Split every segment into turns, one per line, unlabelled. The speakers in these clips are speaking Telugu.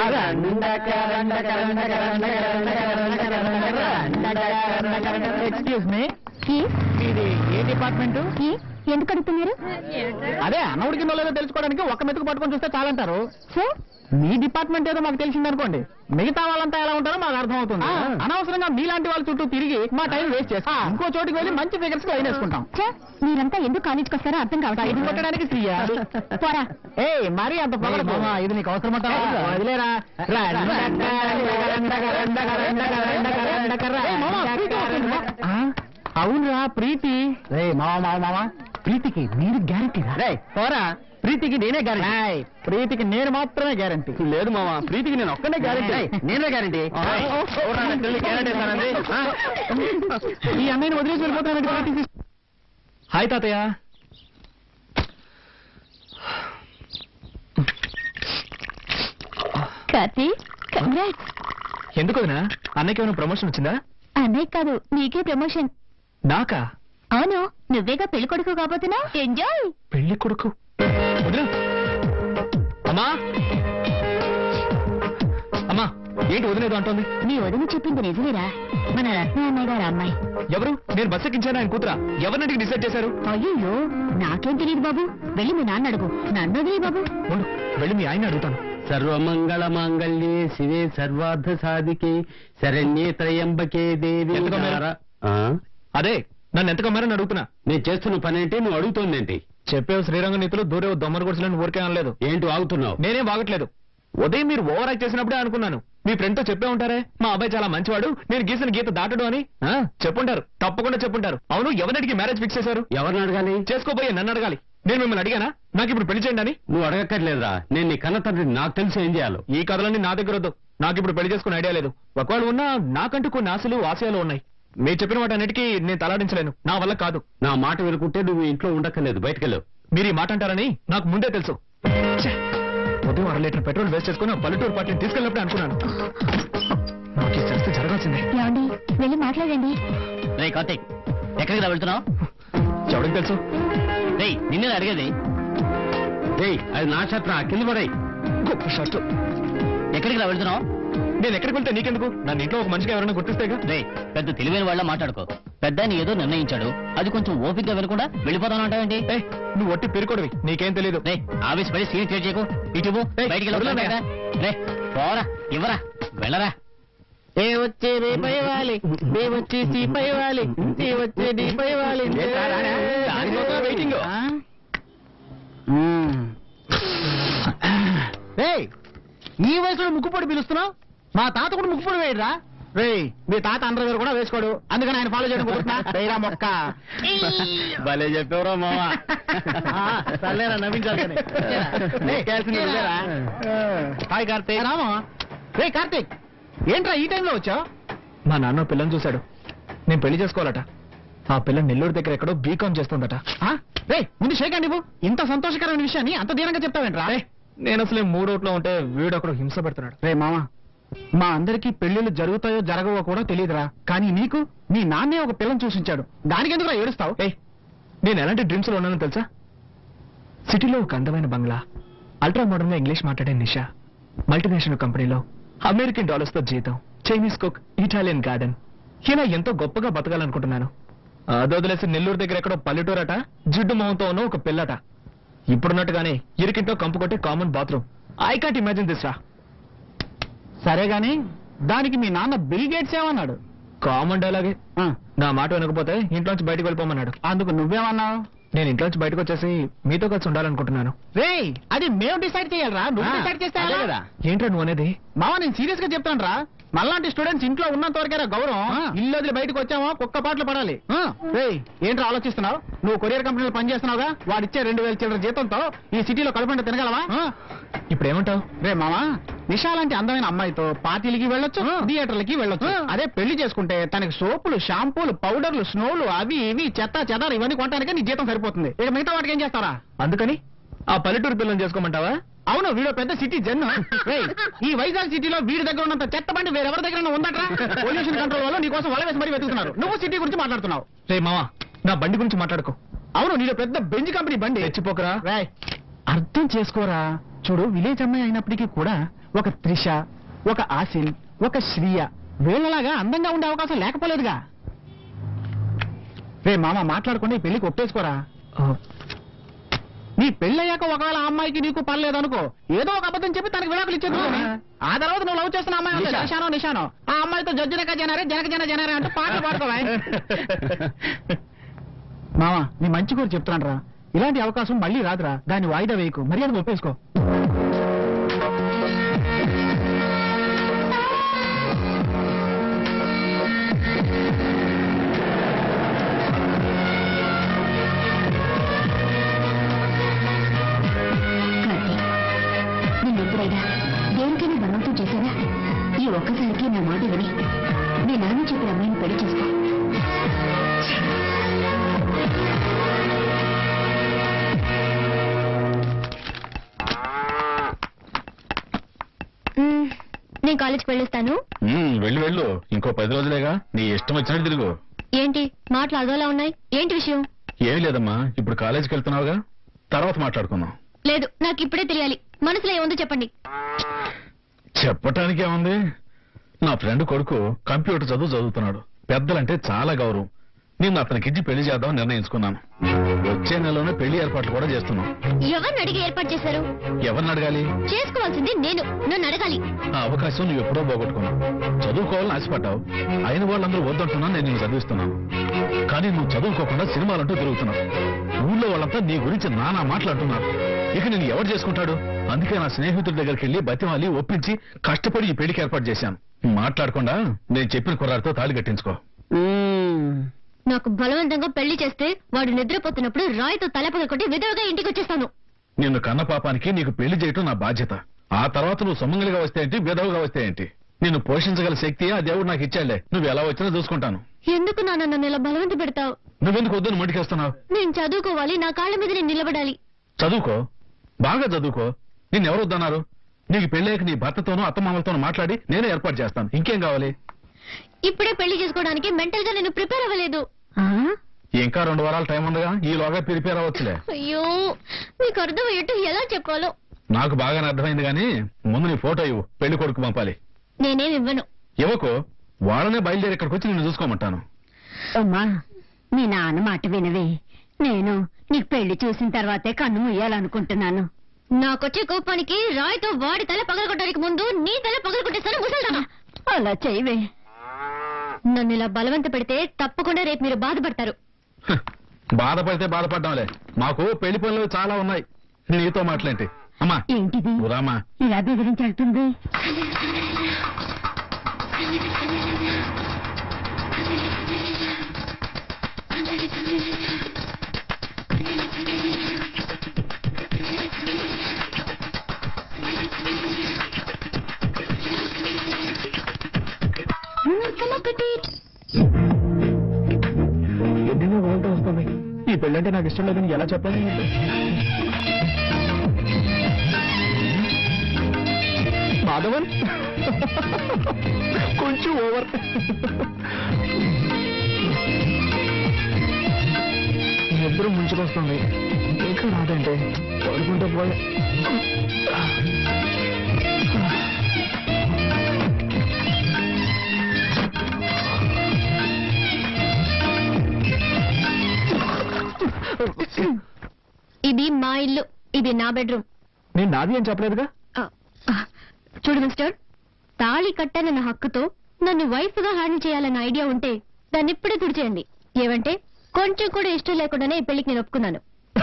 ఎక్స్క్యూజ్ మీ, ఇది ఏ డిపార్ట్మెంట్?
ఎందుకు అడుగుతున్నారు?
అదే అన్నవుడికి లేదో తెలుసుకోవడానికి ఒక మెతుకు పట్టుకొని చూస్తే చాలంటారు. మీ డిపార్ట్మెంట్ ఏదో మాకు తెలిసిందనుకోండి, మిగతా వాళ్ళంతా ఎలా ఉంటారో మాకు అర్థం అవుతుంది. అనవసరంగా మీలాంటి వాళ్ళ చుట్టూ తిరిగి మా టైం వేస్ట్ చేస్తాం. ఇంకో చోటికి వెళ్ళి మంచి ఫిగర్స్ లైన్ వేసుకుంటాం.
మీరంతా ఎందుకు కాలేజ్కి వస్తారో అర్థం కావట్లేదు.
ఇది కొట్టడానికి ఫ్రీయా?
పోరా.
మరీ అంత పొగడకు. ఇది నీకు అవసరం వదిలేరా. అవునరా ప్రీతి. మావా ప్రీతికి నేను గ్యారంటీ రా. పోరా, ప్రీతికి నేనే గ్యారంటీ. ప్రీతికి నేను మాత్రమే గ్యారంటీ. లేదు మావా, ప్రీతికి నేను ఒక్కనే గ్యారంటీ. నేనే గ్యారంటీ. ఈ అన్నయ్యని వదిలేసి వెళ్ళిపోతాను. హాయ్ తాతయ్య. ఎందుకు వదినా? అన్నయ్యకి ఏమైనా ప్రమోషన్ వచ్చిందా?
అన్నయ్య కాదు, నీకే ప్రమోషన్.
నాకా?
అవును, నువ్వేగా పెళ్లి కొడుకు కాబోతున్నావు. ఎంజాయ్.
పెళ్లి కొడుకు? అమ్మా అమ్మా, ఏంటి వదిలేదు అంటోంది?
నీ వదిన చెప్పింది నిజమేరా, మన రత్న అన్నయ్య గారు అమ్మాయి.
ఎవరు? నేను బస్ ఎక్కించాను ఆయన కూతురా? ఎవరినటికి డిసైడ్ చేశారు?
అయ్యో, నాకేం తెలియదు బాబు. వెళ్ళి మీ నాన్న అడుగు. నన్ను వదిలే బాబు.
వెళ్ళి మీ ఆయన అడుగుతాను.
సర్వమంగళ మాంగళ్యే శివే సర్వార్థ సాధికే శరణ్యే త్రయంబకే దేవి.
అదే నన్ను ఎంత కమ్మారని అడుగుతున్నా.
నేను చేస్తున్న పని ఏంటి, నువ్వు అడుగుతోందేంటి?
చెప్పేవు శ్రీరంగ నీతులు, దూరేవు దొమ్మర గుడిసెలను ఊరికే అనలేదు.
ఏంటి ఆగుతున్నావు?
నేనేం బాగట్లేదు. ఉదయం మీరు ఓవర్ యాక్ట్ చేసినప్పుడే అనుకున్నాను. మీ ఫ్రెండ్ తో చెప్పే ఉంటారే, మా అబ్బాయి చాలా మంచివాడు, నేను గీసిన గీత దాటడు అని. చెప్పుంటారు, తప్పకుండా చెప్పుంటారు. అవును, ఎవరికి మ్యారేజ్ ఫిక్స్ చేశారు?
ఎవరిని అడగాలి?
చేసుకోబోయే నన్ను అడగాలి. నేను మిమ్మల్ని అడిగానా? నాకు ఇప్పుడు పెళ్లి చేయండి అని.
నువ్వు అడగక్కర్లేదురా, నేను నీ కన్న తండ్రి, నాకు తెలుసు ఏం చేయాలో.
ఈ కథలన్నీ నా దగ్గర వద్దు. నాకు ఇప్పుడు పెళ్లి చేసుకునే ఐడియా లేదు. ఒకవేళ ఉన్నా నాకంటూ కొన్ని ఆశలు ఆశయాలు ఉన్నాయి. మీరు చెప్పిన వాటి అన్నిటికీ నేను తలాడించలేను, నా వల్ల కాదు.
నా మాట వినుకుంటే నువ్వు ఇంట్లో ఉండక్కర్లేదు, బయటకెళ్ళు.
మీరు ఈ మాట అంటారని నాకు ముందే తెలుసు. ఉదయం 1.5 లీటర్ పెట్రోల్ వేస్ట్ చేసుకుని పల్లెటూరు పార్టీని తీసుకెళ్ళినప్పుడే అనుకున్నాను నాకు ఈ శాస్త్రం జరగాల్సిందే.
వెళ్ళి మాట్లాడండి.
కార్తీక్, ఎక్కడికి రా వెళ్తున్నావు?
ఎవరికి తెలుసు?
నిన్నే అడిగేది. అది నా షర్ట్ రా, కింద పడాయి.
గొప్ప షర్ట్.
ఎక్కడికి రా వెళ్తున్నావు?
నేను ఎక్కడికి వెళ్తే నీకెందుకు? నన్ను ఇంట్లో ఒక మనిషిగా ఎవరైనా గుర్తిస్తేగా.
పెద్ద తెలివైన వాళ్ళ మాట్లాడుకో. పెద్ద ఏదో నిర్ణయించాడు, అది కొంచెం ఓపికగా వినకుండా వెళ్ళిపోతాను అంటావేంటి?
నువ్వు ఒట్టి పెరుకోడివి, నీకేం తెలియదు.
ఆవేశపడి సీన్ క్రియేట్ చేయకు. ఇటు బయటికి పోరా, ఇవ్వరా, వెళ్ళరా.
ఏ వచ్చే నీ పైవాలి, నీ వచ్చి సీ పైవాలి, నీ వచ్చే నీ పైవాలి. వెయిటింగ్. ఈ వయసులో ముక్కుపొడి పిలుస్తున్నావు? మా తాత కూడా ముక్కుపొడి వేయరా? మీ తాత అండర్వేర్ కూడా వేసుకోడు, అందుకని ఆయన ఫాలో చేయడం కుదురుతున్నా మొక్క.
భలే చెప్పేవరా మావా.
సర్లేరా, నవ్వించాలి. హాయ్ కార్తీక్. రామా. కార్తీక్, ఏంట్రా ఈ టైంలో వచ్చావు? మా నాన్న పిల్లని చూశాడు, నేను పెళ్లి చేసుకోవాలట. ఆ పిల్ల నెల్లూరు దగ్గర ఎక్కడో బీకాం చేస్తుందట. ముందు షేక్ అండి, ఇంత సంతోషకరమైన విషయాన్ని అంత దీనంగా చెప్తావేంట్రా? నేను అసలే మూడోట్లో ఉంటే వీడొకడు హింస పెడుతున్నాడు. మామా, మా అందరికీ పెళ్లిళ్ళు జరుగుతాయో జరగవో కూడా తెలియదురా, కానీ నీకు నీ నాన్నే ఒక పిల్లని చూసించాడు, దానికి ఎందుకు ఏడుస్తావు? నేను ఎలాంటి డ్రీమ్స్ లో ఉన్నానో తెలుసా? సిటీలో ఒక అందమైన బంగ్లా, అల్ట్రా మోడర్న్ గా ఇంగ్లీష్ మాట్లాడే నిషా, మల్టీనేషనల్ కంపెనీలో అమెరికన్ డాలర్స్ తో జీతం, చైనీస్ కుక్, ఇటాలియన్ గార్డెన్. ఇలా ఎంతో గొప్పగా బతకాలనుకుంటున్నాను. అదొదిలేసి నెల్లూరు దగ్గర ఎక్కడో పల్లెటూరట, జిడ్డు మొహంతో ఉన్న ఒక పిల్లట. ఇప్పుడున్నట్టుగానే ఇరికింటో కంపు కొట్టే common bathroom. I can't imagine this రా. సరే గాని దానికి మీ నాన్న బిల్ గేట్స్ ఏమన్నాడు? కామన్ డైలాగే. నా మాట వినకపోతే ఇంట్లోంచి బయటకు వెళ్ళిపోమన్నాడు. అందుకు నువ్వేమన్నావు? నేను ఇంట్లోంచి బయటకు వచ్చేసి మీతో కలిసి ఉండాలనుకుంటున్నాను. అది మేము డిసైడ్ చేయాలరా, నువ్వు డిసైడ్ చేస్తా కదా. ఏంట్రా నువ్వు అనేది? మావా, నేను సీరియస్ గా చెప్తాను రా. మళ్ళాంటి స్టూడెంట్స్ ఇంట్లో ఉన్నంత వరకేరా గౌరవం. ఇల్లు వదిలి బయటకు వచ్చామో కుక్క పాటలు పడాలి. ఏంట్రా ఆలోచిస్తున్నావు? నువ్వు కొరియర్ కంపెనీలో పనిచేస్తున్నావుగా, వాడిచ్చే 2000 చిల్లర జీతంతో ఈ సిటీలో కడుపుంట తినగలవా? ఇప్పుడు ఏమంటావు? మామా, నిషా లాంటి అందమైన అమ్మాయితో పార్టీలకి వెళ్ళొచ్చు, థియేటర్లకి వెళ్ళొచ్చు. అదే పెళ్లి చేసుకుంటే తనకి సోపులు, షాంపూలు, పౌడర్లు, స్నోలు, అవి ఇవి చెత్త చెదారు ఇవన్నీ కొనడానికి నీ జీతం సరిపోతుంది. ఇక మిగతా వాటికి ఏం చేస్తారా? అందుకని ఆ పల్లెటూరు పిల్లలు చేసుకోమంటావా? అవును, వీడు పెద్ద సిటీ జన్. ఈ వైజాగ్ సిటీలో వీడి దగ్గర ఉన్నంత చెత్త బండి వేరెవరి దగ్గర ఉందట్రా? పొల్యూషన్ కంట్రోల్ వల్ల నీ కోసం వల వేసి మరీ వెతుకుతున్నారు. నువ్వు సిటీ గురించి మాట్లాడుతున్నావు. మావా, నా బండి గురించి మాట్లాడుకో. అవును, నీలో పెద్ద బెంజ్ కంపెనీ బండి. తెచ్చిపోకరా. అర్థం చేసుకోరా, చూడు విలేజ్ అమ్మాయి అయినప్పటికీ కూడా ఒక త్రిష, ఒక ఆసిన్, ఒక శ్రీయ వీళ్ళలాగా అందంగా ఉండే అవకాశం లేకపోలేదుగా. రే మామ మాట్లాడకుండా ఈ పెళ్లికి ఒప్పేసుకోరా. నీ పెళ్ళయ్యాక ఒకవేళ ఆ అమ్మాయికి నీకు పర్లేదనుకో, ఏదో ఒక అబద్ధం చెప్పి తనకి విడాకులు ఇచ్చేది. ఆ తర్వాత నువ్వు లవ్ చేస్తున్న అమ్మాయి ఉంది, నిషానో ఆ అమ్మాయితో జడ్జినక జనరే అంటూ పాటలు పాడుకోవా. మామ నీ మంచి కూడా చెప్తున్నాను రా, ఇలాంటి అవకాశం మళ్ళీ రాదురా. దాన్ని వాయిదా వేయకు, మర్యాద ఒప్పేసుకో.
దేనికైనా బలవంతం చేశానా? ఈ ఒక్కసారికి నా మాట విని మీ నాన్న చెప్పిన అమ్మాయిని పెళ్లి చేసుకో. నేను కాలేజ్కి వెళ్ళొస్తాను.
వెళ్ళు, ఇంకో 10 రోజులేగా, నీ ఇష్టం వచ్చినట్టు తిరుగు.
ఏంటి మాటలు అదోలా ఉన్నాయి? ఏంటి విషయం?
ఏమీ లేదమ్మా, ఇప్పుడు కాలేజీకి వెళ్తున్నావుగా, తర్వాత మాట్లాడుకుందాం.
లేదు, నాకు ఇప్పుడే తెలియాలి. మనసులో ఏముందో చెప్పండి.
చెప్పటానికి ఏముంది, నా ఫ్రెండ్ కొడుకు కంప్యూటర్ చదువుతున్నాడు. పెద్దలంటే చాలా గౌరవం. నేను అతనికిచ్చి పెళ్లి చేద్దాం నిర్ణయించుకున్నాను. వచ్చే నెలలోనే పెళ్లి ఏర్పాట్లు కూడా చేస్తున్నాం.
ఎవరిని అడిగి ఏర్పాటు చేశారు?
ఎవరిని అడగాలి?
చేసుకోవాల్సింది నేను, నన్ను అడగాలి.
ఆ అవకాశం నువ్వు ఎప్పుడో పోగొట్టుకున్నావు. చదువుకోవాలని ఆశపడ్డావు, అయిన వాళ్ళందరూ వద్దంటున్నా నేను నిన్ను చదివిస్తున్నాను. కానీ నువ్వు చదువుకోకుండా సినిమాలంటూ తిరుగుతున్నావు. ఊళ్ళో వాళ్ళంతా నీ గురించి నానా మాట్లాడుతున్నారు. ఇక నేను ఎవరు చేసుకుంటాడు? అందుకే నా స్నేహితుడి దగ్గరికి వెళ్లి బతిమాలి ఒప్పించి కష్టపడి ఈ పెళ్లికి ఏర్పాటు చేశాను. మాట్లాడకుండా నేను చెప్పిన కుర్రాడితో తాళి కట్టించుకో.
నాకు బలవంతంగా పెళ్లి చేస్తే వాడు నిద్రపోతున్నప్పుడు రాయితో తలపగొట్టి విధవగా ఇంటికి వచ్చేస్తాను.
నిన్ను కన్న పాపానికి నీకు పెళ్లి చేయటం నా బాధ్యత. ఆ తర్వాత నువ్వు సొమ్మంగలిగా వస్తే ఏంటి, విధవగా వస్తే ఏంటి, నిన్ను పోషించగల శక్తి ఆ దేవుడు నాకు ఇచ్చాడులే. నువ్వు ఎలా వచ్చినా చూసుకుంటాను.
ఎందుకు నాన్న నన్ను ఇలా బలవంత పెడతావు?
నువ్వెందుకు వద్దని మొండికేస్తున్నావు?
నేను చదువుకోవాలి, నా కాళ్ళ మీద నేను నిలబడాలి.
చదువుకో, బాగా చదువుకో. నిన్నెవరు వద్దన్నారు? నీకు పెళ్ళాక నీ భర్తతోనూ అత్తమామలతోనూ మాట్లాడి నేనే ఏర్పాటు చేస్తాను. ఇంకేం కావాలి?
ఇప్పుడే పెళ్లి చేసుకోవడానికి మెంటల్ గా నేను ప్రిపేర్ అవ్వలేదు.
ఇంకా 2 వారాల టైం ఉండగా ఈలోగా ప్రిపేర్ అవ్వచ్చులే.
అయ్యో, మీకు అర్థమయ్యేట్టు ఎలా చెప్పాలో.
నాకు బాగానే అర్థమైంది కానీ ముందు నీ ఫోటో ఇవ్వు, పెళ్లి కొడుకు పంపాలి.
నేనేం ఇవ్వను.
ఇవ్వకు, వాళ్ళనే బయలుదేరి ఇక్కడికి వచ్చి నిన్ను చూసుకోమంటాను.
అమ్మా, మీ నాన్న మాట వినవే. నేను నీకు పెళ్లి చూసిన తర్వాతే కన్ను ముయ్యాలనుకుంటున్నాను.
నాకొచ్చే కోపానికి రాయితో వాడి తల పగలగొట్టడానికి ముందు నీ తల పగలగొట్టేస్తాను ముసల్దానా.
అలా చేయవే.
నన్ను ఇలా బలవంత పెడితే తప్పకుండా రేపు మీరు బాధపడతారు.
బాధపడితే బాధపడ్డాంలే, మాకు పెళ్లి పనులు చాలా ఉన్నాయి. నీతో మాట్లాంటి. అమ్మా
ఏంటిది
రామా,
ఇలా బెదిరించి వెళ్తుంది?
ఎన్నెన్నో వాళ్ళతో వస్తుంది. ఈ పెళ్ళంటే నాకు ఇష్టం లేదని ఎలా చెప్పాలి? మాధవన్ కొంచెం ఓవర్. నిద్ర ముంచుకొస్తుంది, ఇంకా రాదంటే పడుకుంటే పోయా.
ఇది మా ఇల్లు, ఇది నా బెడ్రూమ్.
నేను నాది అని చెప్పలేదుగా.
చూడు మిస్టర్, తాళి కట్టానన్న హక్కుతో నన్ను వైఫ్ గా హ్యాండిల్ చేయాలన్న ఐడియా ఉంటే దాన్ని ఇప్పుడే తుడిచేయండి. ఏమంటే కొంచెం కూడా ఇష్టం లేకుండానే ఈ పెళ్లికి నేను ఒప్పుకున్నాను.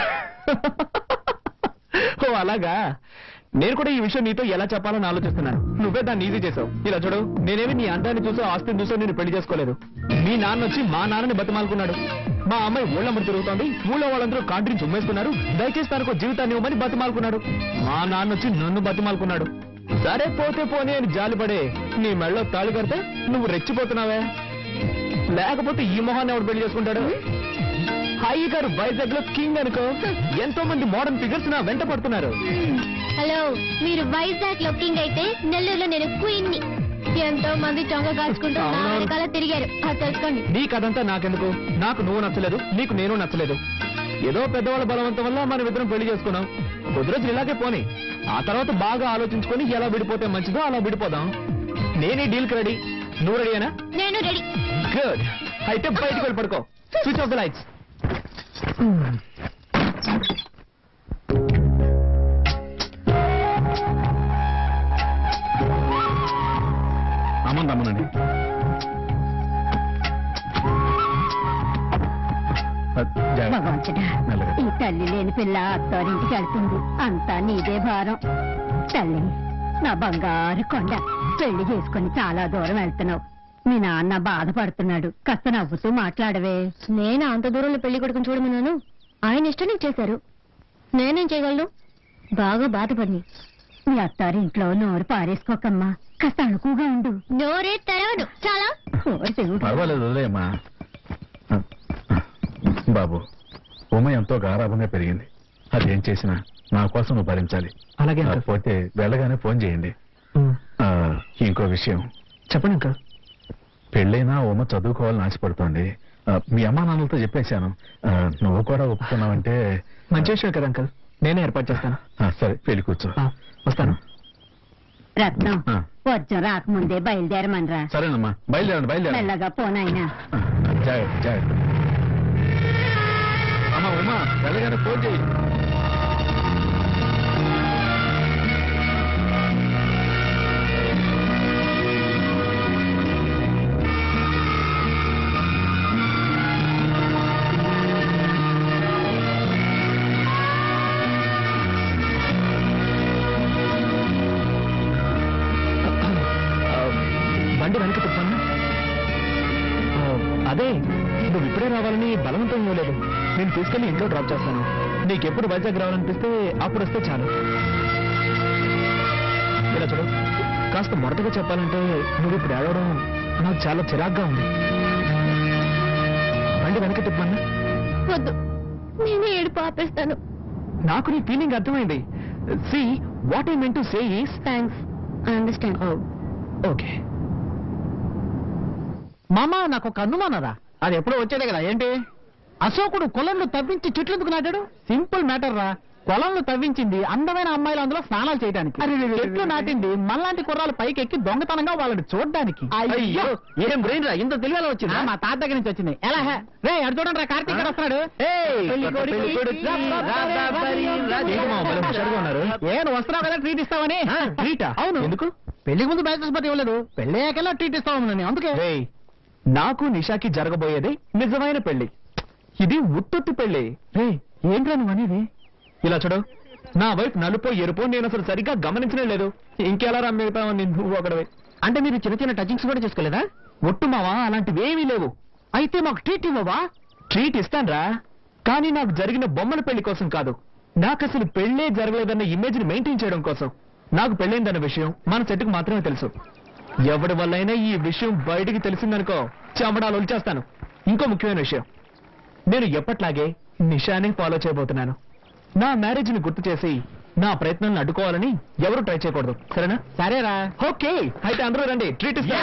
ఓ అలాగా. నేను కూడా ఈ విషయం నీతో ఎలా చెప్పాలని ఆలోచిస్తున్నాను. నువ్వే దాన్ని ఈజీ చేసావు. ఇలా చూడు, నేనేమి నీ అందాన్ని చూసో ఆస్తిని చూసో నేను పెళ్లి చేసుకోలేదు. మీ నాన్న వచ్చి మా నాన్నని బతిమాలుకున్నాడు. మా అమ్మాయి ఊళ్ళమ్మడి తిరుగుతోంది, ఊళ్ళో వాళ్ళందరూ కాంట్రీని చుమ్మేసుకున్నారు, దయచేసి తనకు జీవితాన్ని ఇవ్వమని బతిమాలుకున్నాడు. మా నాన్న వచ్చి నన్ను బతిమాలుకున్నాడు. సరే పోతే పోనీ అని జాలిపడే నీ మెళ్ళలో తాళి కడితే నువ్వు రెచ్చిపోతున్నావే. లేకపోతే ఈ మొహాన్ని ఎవడు పెళ్లి చేసుకుంటాడు? హాయి గారు వైజాగ్ లో కింగ్ అనుకో, ఎంతో మంది మోడర్న్ ఫిగర్స్ నా వెంట పడుతున్నారు.
హలో, మీరు వైజాగ్ లో కింగ్ అయితే నెల్లూరులో నేను క్వీన్ ని. ఎంతో మంది చొంగ కాల్చుకుంటూ నా వెనకాల తిరిగారు, అది తెలుసుకోండి.
నీ కథంతా నాకెందుకు? నాకు నువ్వు నచ్చలేదు, నీకు నేను నచ్చలేదు. ఏదో పెద్దవాళ్ళ బలవంతం వల్ల మనం ఇద్దరం పెళ్లి చేసుకున్నాం. కొద్ది రోజులు ఇలాగే పోని, ఆ తర్వాత బాగా ఆలోచించుకొని ఎలా విడిపోతే మంచిదో అలా విడిపోదాం. నేనే డీల్కి రెడీ, నువ్వు రెడీనా?
నేను రెడీ.
గుడ్, అయితే బయటికి వెళ్ళి పడుకో. Switch off the lights.
అమ్మనండి.
భగవంతుడా, ఈ తల్లి లేని పిల్ల అత్తారింటికి వెళ్తుంది. అంతా నీదే భారం. తల్లి, నా బంగారు కొండ, పెళ్లి చేసుకుని చాలా దూరం వెళ్తున్నావు. మీ నాన్న బాధపడుతున్నాడు. కాస్త నవ్వుతూ మాట్లాడవే.
నేను అంత దూరంలో పెళ్లి కొడుకుని చూడమన్నాను, ఆయన ఇష్టం నీకు చేశారు. నేనేం చేయగలను? బాగా బాధపడి.
మీ అత్తారింట్లో నోరు పారేసుకోకమ్మా, కాస్త అణుకుగా ఉండు.
నోరే తెరవడు. చాలా
పర్వాలేదు, వదిలేయమ్మా. బాబు, ఉమ ఎంతో గారాభంగా పెరిగింది. అదేం చేసినా నా కోసం నువ్వు భరించాలి.
అలాగే
పోతే వెళ్ళగానే ఫోన్ చేయండి. ఇంకో విషయం
చెప్పండి అంకల్.
పెళ్ళైనా ఉమ చదువుకోవాలని ఆశపడుతోంది. మీ అమ్మా నాన్నలతో చెప్పేశాను. నువ్వు కూడా ఒప్పుకున్నావంటే
మంచి విషయం కదా అంకల్, నేనే ఏర్పాటు చేస్తాను.
సరే, పెళ్లి కూర్చో.
వస్తాను.
రత్నం, వర్జం రాకముందే బయలుదేరమనరా.
సరేనమ్మా, బయలుదేరండి.
మెల్లగా పోనాయినా.
జాగ్రత్త జాగ్రత్త. అమ్మా ఉమా, వెళ్ళగానే ఫోన్ చేయి.
బండి వెనక తిప్పాను. అదే, నువ్వు ఇప్పుడే రావాలని బలవంతం ఇవ్వలేదు. నేను తీసుకెళ్లి ఇంట్లో డ్రాప్ చేస్తాను. నీకెప్పుడు వైజాగ్ రావాలనిపిస్తే అప్పుడు వస్తే చాలు. ఇలా చూడు, కాస్త మొదటగా చెప్పాలంటే నువ్వు ఇప్పుడు ఏడవడం నాకు చాలా చిరాగ్గా ఉంది. బండి వెనక తిప్పమన్నా.
వద్దు, నేనే ఏడుపు ఆపేస్తాను.
నాకు నీ ఫీలింగ్ అర్థమైంది. See what I meant to say is
thanks, I understand.
Okay. మామ, నాకు ఒక అనుమానరా. అది ఎప్పుడో వచ్చేదే కదా. ఏంటి? అశోకుడు కొలంలో తవ్వించి చెట్లెందుకు నాటాడు? సింపుల్ మ్యాటర్ రా. కొలంలో తవ్వించింది అందమైన అమ్మాయిలు అందులో స్నానాలు చేయడానికి. చెట్లు నాటింది మళ్ళాంటి కుర్రాలు పైకి ఎక్కి దొంగతనంగా వాళ్ళని చూడడానికి. అయ్యో, ఏం బ్రెయిన్ రా, ఇంత తెలివిలో వచ్చింది. మా తాత దగ్గర నుంచి వచ్చింది. ఎలా రే, అడు చూడండి రా, కార్తీక్ గారు వస్తున్నాడు. నేను వస్తున్నావు కదా ట్రీట్ ఇస్తావని. ట్రీటా? అవును. ఎందుకు? పెళ్లికి ముందు బ్యాచెస్ పట్టి ఇవ్వలేదు, పెళ్ళయ్యాకెలా ట్రీట్ ఇస్తామని. అందుకే నాకు నిషాకి జరగబోయేది నిజమైన పెళ్లి. ఇది ఉత్తొత్తి పెళ్లి. రే, ఏంట్రా నువ్వు అనేది? ఇలా చూడు, నా వైపు నలుపో ఎరుపో నేను అసలు సరిగ్గా గమనించనే లేదు. ఇంకెలా రమ్మితావని నువ్వు ఒకడవే. అంటే మీరు చిన్న చిన్న టచింగ్స్ కూడా చేసుకోలేదా? ఒట్టు మావా, అలాంటివి ఏమీ లేవు. అయితే మాకు ట్రీట్ ఇవ్వవా? ట్రీట్ ఇస్తాన్రా, కానీ నాకు జరిగిన బొమ్మల పెళ్లి కోసం కాదు. నాకు అసలు పెళ్లే జరగలేదన్న ఇమేజ్ ని మెయింటైన్ చేయడం కోసం. నాకు పెళ్ళైందన్న విషయం మన చెట్టుకు మాత్రమే తెలుసు. ఎవడి వల్లైనా ఈ విషయం బయటికి తెలిసిందనుకో, చెమడాలు ఒలిచేస్తాను. ఇంకో ముఖ్యమైన విషయం, నేను ఎప్పట్లాగే నిషాని ఫాలో చేయబోతున్నాను. నా మ్యారేజ్ ని గుర్తు చేసి నా ప్రయత్నాలను అడ్డుకోవాలని ఎవరు ట్రై చేయకూడదు. సరేనా? సరేరా. ఓకే, అయితే అందరూ రండి, ట్రీట్ ఇస్తా.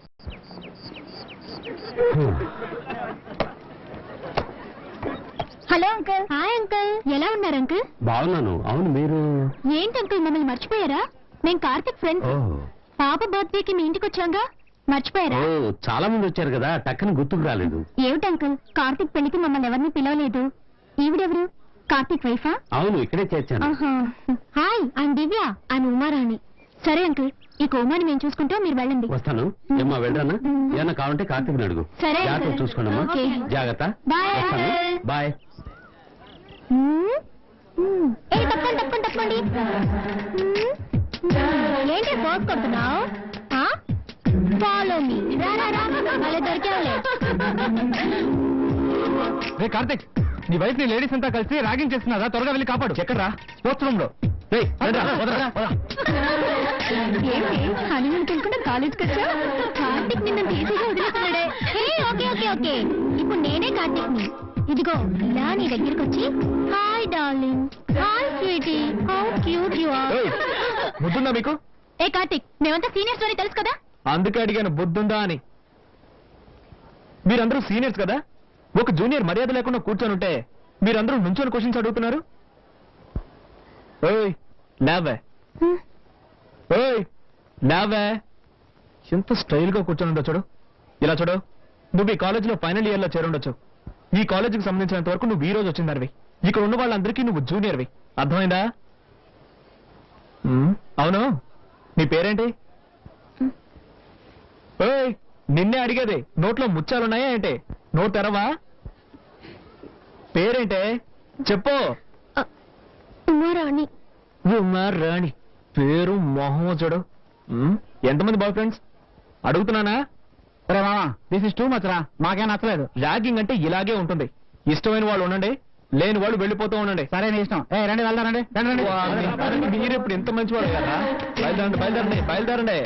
Hello uncle. హాయ్ అంకుల్, ఎలా ఉన్నారు అంకుల్?
బాగున్నాను. అవును, మీరు?
ఏంటి అంకుల్, మమ్మల్ని మర్చిపోయారా? నేను కార్తిక్ ఫ్రెండ్స్. పాప బర్త్డేకి మీ ఇంటికి వచ్చాగా, మర్చిపోయారా?
చాలా మంది వచ్చారు కదా, టక్కన గుర్తుకు రాలేదు.
ఏమిటి అంకుల్, కార్తిక్ పెళ్లికి మమ్మల్ని ఎవరిని పిలవలేదు. ఈవిడెవరు? కార్తిక్ వైఫా?
అవును, ఇక్కడే చేర్చాను.
Hi, I'm Divya, I'm Umarani. సరే అంకుల్, ఈ కోమాని మేము చూసుకుంటాం, మీరు వెళ్ళండి.
వస్తాను. ఏమ్మా, వెళ్ళరానా? ఏమన్నా కావాలంటే కార్తీక్ అడుగు.
సరే
జాగ్రత్త
అంకుల్.
చూసుకోండమ్మా.
ఓకే.
జాగ్రత్త.
బాయ్
వస్తాను.
అంకుల్.
బాయ్.
తప్పండి. ఏంటి ఫోర్స్ కొడుతున్నావు? Follow me. అలా దొరికావులే.
రే కార్తిక్, నీ వైఫ్ ని లేడీస్ అంతా కలిసి ర్యాగింగ్ చేస్తున్నారా? త్వరగా వెళ్ళి కాపాడు. ఎక్కడ్రా? స్పోర్ట్స్ రూమ్ లో.
ఏంటి హనీమూన్ తినకుండా కాలేజ్కి వచ్చా? కార్తిక్ నిన్ను ఈజీగా వదిలేస్తున్నాడే. ఓకే, ఇప్పుడు నేనే కార్తిక్ ని. ఇదిగో ఇలా నీ దగ్గరికి వచ్చి, hi darling, hi sweetie, how cute you are.
బుద్ధుందా మీకు?
ఏ కార్తిక్, మేమంతా సీనియర్ స్టోరీ తెలుసు కదా.
అందుకే అడిగాను బుద్ధుందా అని. మీరందరూ సీనియర్స్ కదా, ఒక జూనియర్ మర్యాద లేకుండా కూర్చొని ఉంటే మీరందరూ నుంచొని క్వశ్చన్స్ అడుగుతున్నారు? ఓయ్ లేవే, ఓయ్ లేవే. ఎంత స్టైల్ గా కూర్చొని ఉండొచ్చు చూడు. ఇలా చూడు, నువ్వు ఈ కాలేజీలో ఫైనల్ ఇయర్ లో చేరుండొచ్చు. ఈ కాలేజీకి సంబంధించినంత వరకు నువ్వు ఈ రోజు వచ్చిందనివి. ఇక్కడ ఉన్న వాళ్ళందరికీ నువ్వు జూనియర్వి. అర్థమైందా? అవును, నీ పేరేంటి? ఓయ్ నిన్నే అడిగేది. నోట్లో ముచ్చాలున్నాయా ఏంటి? నోట్ తెరవా? పేరేంటే చెప్పు.
ఉమారాణి.
ఉమారాణి పేరు మొహం చూడు. ఎంతమంది బాయ్ ఫ్రెండ్స్ అడుగుతున్నానా? రే మామా, దిస్ ఇస్ టూ మచ్ రా. మాకేం నచ్చలేదు. ర్యాగింగ్ అంటే ఇలాగే ఉంటుంది. ఇష్టమైన వాళ్ళు ఉండండి, లేని వాళ్ళు వెళ్ళిపోతూ ఉండండి. సరే నీ ఇష్టం. రండి వెళ్దారండి. మీరు ఇప్పుడు ఎంత మంచివాడు కదా. బయలుదేరండి బయలుదేరండి బయలుదేరండి.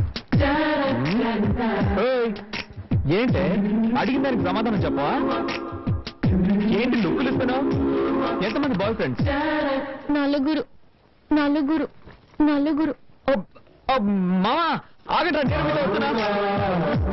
ఏంటే అడిగిన దానికి సమాధానం చెప్పవా? ఏంటి లుక్కులు ఇస్తున్నావు? ఎంతమంది బాయ్ ఫ్రెండ్స్?
నలుగురు నలుగురు నలుగురు.
మామా ఆగండి, నేను మీతో వస్తున్నా.